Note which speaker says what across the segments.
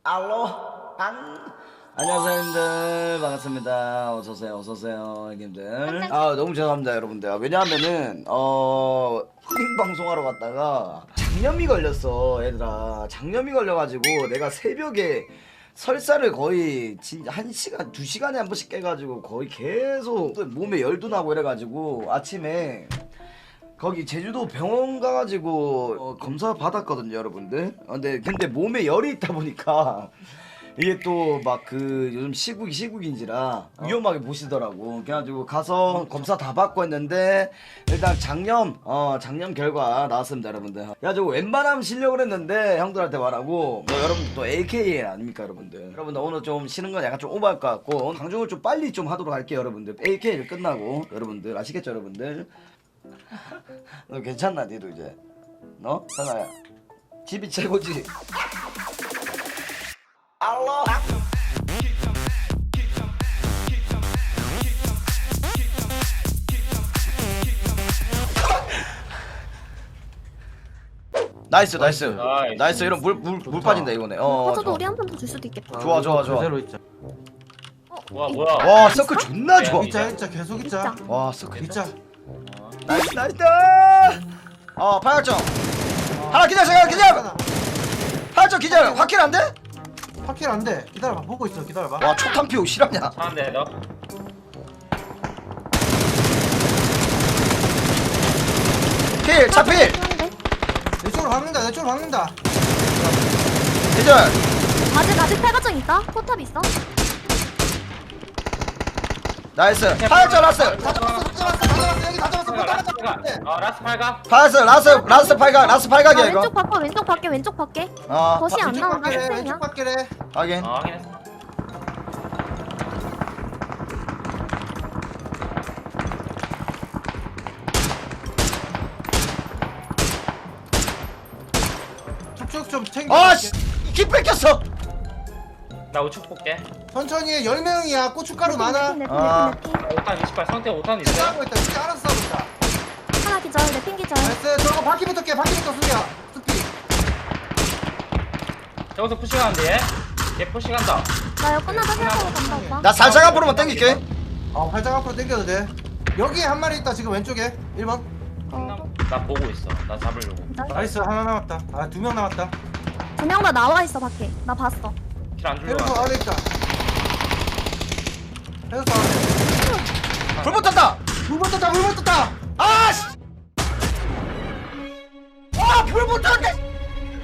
Speaker 1: 알로 안녕하세요 형님들, 반갑습니다. 어서오세요 어서오세요 형님들. 아 너무 죄송합니다 여러분들. 왜냐하면은 힐링 방송하러 갔다가 장염이 걸렸어. 얘들아 장염이 걸려가지고 내가 새벽에 설사를 거의 진짜 1시간 2시간에 한 번씩 깨가지고 거의 계속 몸에 열도 나고 이래가지고 아침에 거기 제주도 병원 가가지고 검사 받았거든요 여러분들. 근데 몸에 열이 있다 보니까 이게 또 막 그 요즘 시국인지라 위험하게 보시더라고. 그래가지고 가서 검사 다 받고 했는데 일단 장염 결과 나왔습니다 여러분들. 그래가지고 웬만하면 쉬려고 했는데 형들한테 말하고 뭐 여러분들 또 AK 아닙니까 여러분들. 오늘 좀 쉬는 건 약간 좀 오버할 것 같고 방송을 좀 빨리 좀 하도록 할게요 여러분들. AK를 끝나고 여러분들 아시겠죠 여러분들. 너 괜찮나 니도 이제? 너? 상아야 집이 최고지? 알로 나이스 이런 물 빠진다 이거네.
Speaker 2: 저도 우리 한 번 더 줄 수도 있겠다.
Speaker 1: 좋아
Speaker 3: 그대로 있자.
Speaker 4: 와 뭐야?
Speaker 1: 와 서클 존나 좋아.
Speaker 3: 있자 계속 있자.
Speaker 1: 와 서클
Speaker 3: 있자.
Speaker 1: 나이스 파열정 하나 기다려 파열정 기다려. 확킬 안 돼?
Speaker 3: 확킬 안 돼. 기다려봐. 보고 있어. 기다려봐.
Speaker 1: 와 초탄 피우 실화냐?
Speaker 4: 차한대 너.
Speaker 1: 필 차필
Speaker 3: 내 쪽으로 박는다. 내 쪽으로 박는다.
Speaker 1: 기절.
Speaker 2: 아직 팔가정 있다. 포탑 있어.
Speaker 1: 나이스 파열정 라스
Speaker 3: 다 잡았어. 여기 다 잡았어. 못
Speaker 4: 라스
Speaker 3: 따라잡았어.
Speaker 4: 팔가. 라스 팔가.
Speaker 1: 파열정 라스 팔각이야 이거.
Speaker 2: 왼쪽 밖에.
Speaker 1: 어
Speaker 2: 덫이 안
Speaker 3: 왼쪽
Speaker 2: 나온다.
Speaker 3: 밖에
Speaker 2: 쌩쌩이야.
Speaker 3: 왼쪽 밖에.
Speaker 1: 확인.
Speaker 4: 확인했어.
Speaker 3: 쭉쭉 좀 챙겨.
Speaker 1: 아씨 키 뺏겼어.
Speaker 4: 나 우측 볼게.
Speaker 3: 천천히 해. 10명이야. 고춧가루 많아.
Speaker 2: 내
Speaker 1: 아.
Speaker 2: 핑.
Speaker 4: 5탄 28 상태 5탄 있어.
Speaker 3: 싸우고 있다. 진짜 알아서 싸우고 있다.
Speaker 2: 하나 기절. 내핑 기절.
Speaker 3: 나이스. 저거 바퀴부터 깨. 바퀴부터 수비야. 수비.
Speaker 4: 저기서 푸시가는데 얘? 얘 푸시간다.
Speaker 2: 나 이거 끝나다 생각하고 간다 오빠.
Speaker 1: 나 살짝 앞으로만 당길게.
Speaker 3: 활짝 앞으로 당겨도 돼. 여기에 한 마리 있다. 지금 왼쪽에. 1번.
Speaker 4: 나 보고 있어. 나 잡으려고.
Speaker 3: 나이스. 하나 남았다. 아, 2명 남았다.
Speaker 2: 2명 다 나와 있어 밖에. 나 봤어.
Speaker 4: 킬 안 주려고.
Speaker 3: 해서 아래 있다. 해서 아래.
Speaker 1: 불 붙었다.
Speaker 3: 물 붙었다.
Speaker 1: 아씨. 불 붙었네.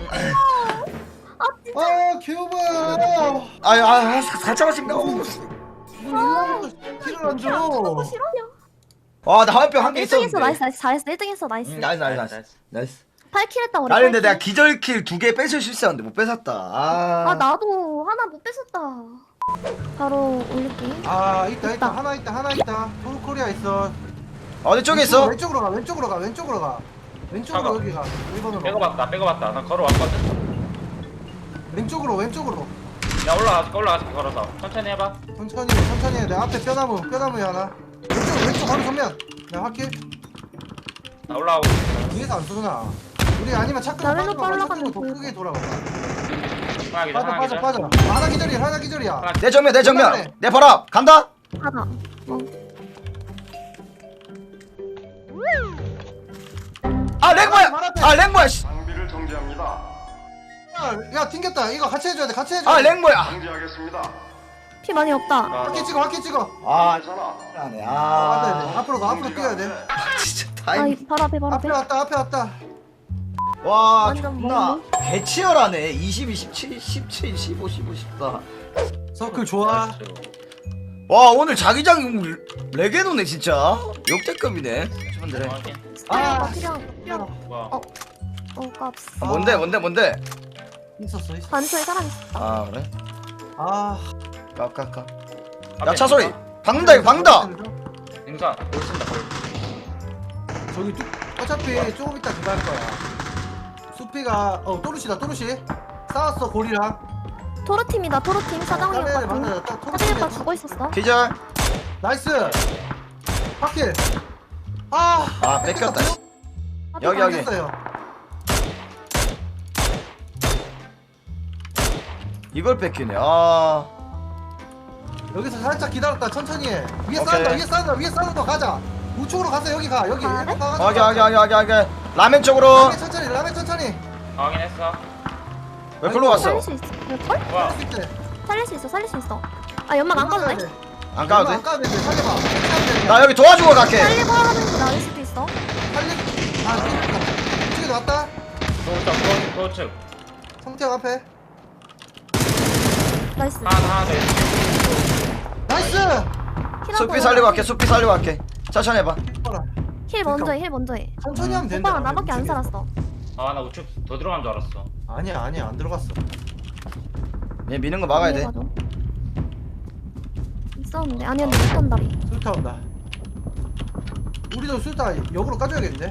Speaker 3: 개오바.
Speaker 1: 아유 살짝 하십니다.
Speaker 3: 킬을 안 줘.
Speaker 2: 너무 싫어냐?
Speaker 1: 와나 화염병 한 개
Speaker 2: 1등
Speaker 1: 있었는데.
Speaker 2: 했어. 나이스. 잘했어. 1등 했어. 나이스.
Speaker 1: 나이스.
Speaker 2: 8킬 했다 우리.
Speaker 1: 아니 근데
Speaker 2: 8킬.
Speaker 1: 내가 기절킬 2개 뺏을 실수했는데 못 뺏었다.
Speaker 2: 아 나도 하나 못 뺏었다. 바로 올릴게.
Speaker 3: 있다. 하나 있다. 토르코리아 있어.
Speaker 1: 어디 쪽에 있어?
Speaker 3: 왼쪽으로 가. 왼쪽으로
Speaker 4: 잠깐.
Speaker 3: 여기 가. 1번으로.
Speaker 4: 빼고봤다. 나 걸어왔거든.
Speaker 3: 왼쪽으로.
Speaker 4: 야 올라가서 걸어서 천천히 해봐.
Speaker 3: 천천히 해. 내 앞에 뼈나무에 하나. 왼쪽 바로 정면. 나 확킬.
Speaker 4: 나 올라가고 있어.
Speaker 3: 뒤에서 안 쏘나. 우리 아니면 차
Speaker 2: 나 왼쪽
Speaker 3: 끄고
Speaker 2: 올라가면
Speaker 3: 더
Speaker 2: 보여.
Speaker 3: 크게 돌아가.
Speaker 4: 하나 기절.
Speaker 3: 빠져. 하나 기절이야.
Speaker 1: 내 정면 내 바로 앞 간다.
Speaker 2: 하나.
Speaker 1: 랭모야 씨.
Speaker 5: 장비를 정지합니다.
Speaker 3: 야 튕겼다. 이거 같이 해줘야 돼.
Speaker 1: 랭모야.
Speaker 5: 정지하겠습니다.
Speaker 2: 피 많이 없다.
Speaker 3: 확킬 찍어.
Speaker 5: 괜찮아.
Speaker 1: 안해.
Speaker 3: 앞으로 뛰어야 돼.
Speaker 1: 진짜
Speaker 2: 아,
Speaker 1: 타임.
Speaker 2: 바로 앞에.
Speaker 3: 앞에 왔다.
Speaker 1: 와
Speaker 2: 완전
Speaker 1: 존나 개치열하네. 22, 17, 17, 15, 14.
Speaker 3: 서클 좋아.
Speaker 1: 와 오늘 자기장 레게노네 진짜. 역대급이네. 친구들.
Speaker 2: 필요한.
Speaker 4: 뭐야?
Speaker 2: 값.
Speaker 1: 뭔데?
Speaker 3: 있었어.
Speaker 2: 반초에 사람 있었다.
Speaker 1: 아 그래? 까까까.
Speaker 4: 앞에
Speaker 1: 야차 소리.
Speaker 4: 있어?
Speaker 1: 박는다 이거 박는다.
Speaker 4: 능선 올쓴다.
Speaker 3: 저기 어차피 조금 이따 그거 할 거야. 수피가 또르시 싸웠어 고리랑.
Speaker 2: 토르팀이다. 토르팀 사장님 오빠 팀. 사장님 오빠 죽어 있었어.
Speaker 1: 기절.
Speaker 3: 나이스. 확킬.
Speaker 1: 뺏겼다. 여기. 이걸 뺏기네. 아.
Speaker 3: 여기서 살짝 기다렸다 천천히 해. 위에
Speaker 1: 오케이.
Speaker 3: 싸운다 위에 싸운다 가자. 우측으로 가서 여기 가 여기.
Speaker 2: 아,
Speaker 3: 일번 가가지고
Speaker 1: 하게. 라멘 쪽으로.
Speaker 3: 라멘 천천히.
Speaker 4: 확인했어.
Speaker 1: 왜 글로 갔어?
Speaker 2: 살릴 수 있어. 걸?
Speaker 4: 뭐야?
Speaker 3: 할수 있대.
Speaker 2: 살릴 수 있어. 아 연막 안 까도 돼?
Speaker 1: 안 가도
Speaker 3: 안
Speaker 1: 돼?
Speaker 3: 까도 돼. 살려봐.
Speaker 1: 나 여기 도와주고 갈게.
Speaker 2: 살리고 하는 게 나을 수도 있어.
Speaker 3: 우측에 왔다.
Speaker 4: 도우측.
Speaker 3: 성태형 앞에.
Speaker 2: 나이스.
Speaker 4: 하나 더.
Speaker 3: 나이스.
Speaker 1: 숲이 살리고 갈게. 숲이 살리고 갈게. 천천히 해봐.
Speaker 3: 봐라.
Speaker 2: 힐 먼저 해. 힐 먼저 해.
Speaker 3: 천천히 하면 된다.
Speaker 2: 오빠가 나밖에 안 살았어.
Speaker 4: 아나 우측 더 들어간 줄 알았어.
Speaker 3: 아니야 안 들어갔어.
Speaker 1: 얘 미는 거 막아야 돼.
Speaker 2: 이해가죠. 있었는데 아니야 근데 못 간다리.
Speaker 3: 술타 온다. 우리도 술타 역으로 까줘야겠는데.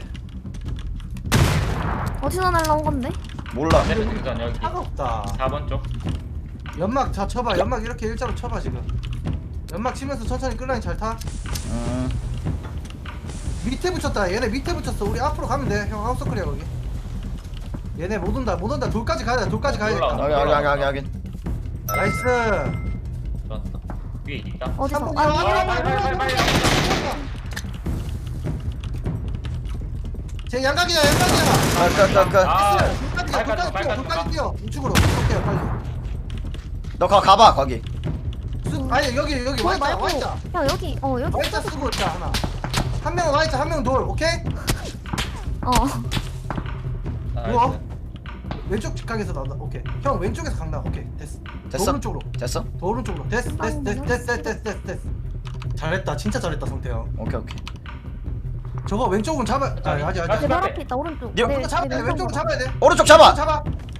Speaker 2: 어디서 날라온 건데?
Speaker 1: 몰라.
Speaker 4: 내 능선 여기.
Speaker 3: 차가 없다.
Speaker 4: 4번 쪽.
Speaker 3: 연막 자 쳐봐. 연막 이렇게 일자로 쳐봐 지금. 연막 치면서 천천히 끌라인 잘 타. 밑에 붙였다. 얘네 밑에 붙였어. 우리 앞으로 가면 돼. 형 아웃서클이야 거기. 얘네 못 온다. 돌까지 가야 돼. 돌까지 가야겠다.
Speaker 4: 올라온다.
Speaker 1: 하게.
Speaker 3: 나이스.
Speaker 4: 좋았다. 위에 있다.
Speaker 2: 어디서?
Speaker 3: 삼봉
Speaker 2: 아
Speaker 3: 형,
Speaker 2: 위에
Speaker 4: 빨리.
Speaker 3: 제 양각이야.
Speaker 1: 끝.
Speaker 4: 아,
Speaker 3: 돌까지 뛰어. 우측으로. 오케이 빨리.
Speaker 1: 너 가봐 거기.
Speaker 3: 아니 여기
Speaker 2: 돌
Speaker 3: 와있자
Speaker 2: 말고
Speaker 3: 와있자.
Speaker 2: 형 여기 여기
Speaker 3: 와있자 쓰고 있자 하나. 한 명은 와있자 한 명은 돌. 오케이? 누워. 왼쪽 직각에서 나온다. 오케이. 형 왼쪽에서 강나. 오케이. 됐어. 더
Speaker 1: 됐어?
Speaker 3: 오른쪽으로.
Speaker 1: 됐어?
Speaker 3: 더 오른쪽으로. 됐어. 잘했다. 진짜 잘했다 성태형.
Speaker 1: 오케이.
Speaker 3: 저거 왼쪽은 잡아. 아직.
Speaker 2: 내 발 앞에 있다 오른쪽.
Speaker 1: 여-
Speaker 3: 이거 잡아야 돼. 왼쪽은 잡아야 돼.
Speaker 1: 오른쪽 잡아.
Speaker 3: 잡아.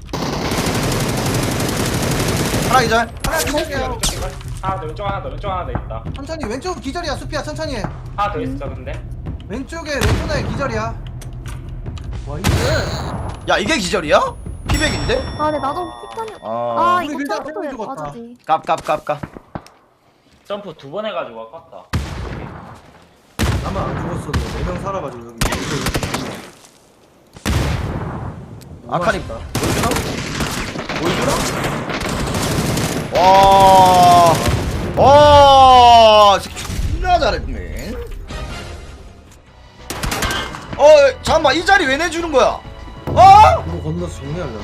Speaker 1: 하나 기절.
Speaker 3: 하나 기절이야.
Speaker 4: 하나 더 왼쪽 하나 더 있다.
Speaker 3: 천천히 왼쪽은 기절이야. 수피야 천천히 해.
Speaker 4: 하나 더 있어 근데.
Speaker 3: 왼쪽에 왼손에 기절이야. 와 이게.
Speaker 1: 야 이게 기절이야? 피백인데?
Speaker 2: 아 근데 나도 폭탄이.
Speaker 1: 아.
Speaker 2: 아 이거
Speaker 3: 우리 밀당
Speaker 2: 점프도
Speaker 3: 해본 적 없다.
Speaker 2: 맞았지.
Speaker 1: 깝.
Speaker 4: 점프 2번 해가지고 아깝다.
Speaker 3: 아마 안 죽었어도 4명 살아가지고 여기.
Speaker 1: 아카니
Speaker 3: 맛있다.
Speaker 1: 보여주나? 와, 존나 잘했네. 잠깐만 이 자리 왜 내주는 거야?
Speaker 3: 이거 건너서 정리하려나?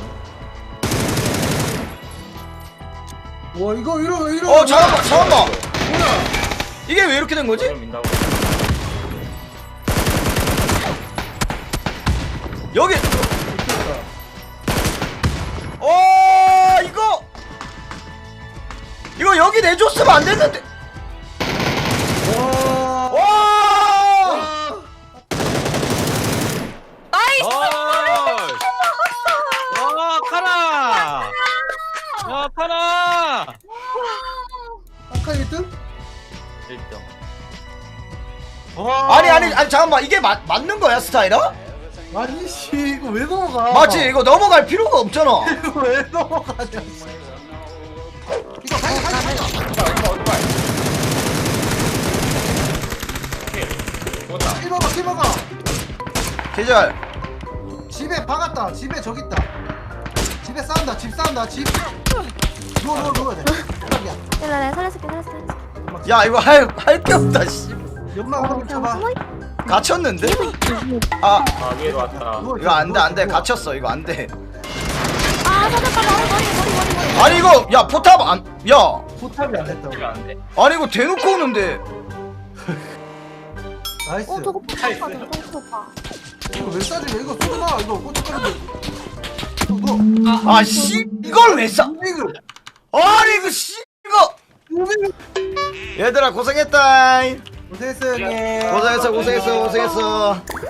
Speaker 3: 와 이거 이러.
Speaker 1: 잠깐만.
Speaker 3: 뭐야?
Speaker 1: 이게 왜 이렇게 된 거지?
Speaker 4: 그걸 민다고.
Speaker 1: 여기. 이거 여기 내줬으면 안 됐는데. 와.
Speaker 6: 카나! 야, 카나!
Speaker 3: 아까 1등?
Speaker 4: 1등.
Speaker 1: 아니 잠깐만 이게 맞는 거야 스타일아?
Speaker 3: 아니 씨 이거 왜 넘어가?
Speaker 1: 맞지 이거 넘어갈 필요가 없잖아.
Speaker 3: 이거 왜 넘어가냐? 이거 가자.
Speaker 4: 오토바이. 오케이. 좋다.
Speaker 3: 킬 먹어.
Speaker 1: 계절.
Speaker 3: 집에 박았다. 집에 저기 있다. 집에 싸운다. 집. 누워야 돼.
Speaker 2: 내가 살려줄게.
Speaker 1: 야 이거 할 게 없다 씨.
Speaker 3: 연막 한번
Speaker 2: 그냥
Speaker 3: 쳐봐.
Speaker 2: 숨어
Speaker 1: 갇혔는데?
Speaker 2: 있.
Speaker 1: 아
Speaker 4: 위에도 왔다.
Speaker 1: 이거 안돼 갇혔어 이거 안돼.
Speaker 2: 아 살렸다 머리.
Speaker 1: 아니 이거 야 포탑 야
Speaker 3: 포탑이 안 됐다고.
Speaker 4: 이거 안 돼.
Speaker 1: 아니 이거 대놓고 오는데.
Speaker 3: 나이스.
Speaker 2: 저거 폭탄 맞아. 성수 오빠.
Speaker 3: 이거 왜 싸지? 이거 쏘지마. 이거 꼬치거리지. 너.
Speaker 1: 아씨 이걸 왜 싸?
Speaker 3: 이거.
Speaker 1: 아니 이거 씨 이거. 얘들아 고생했다.
Speaker 3: 고생했어 형님.
Speaker 1: 고생했어.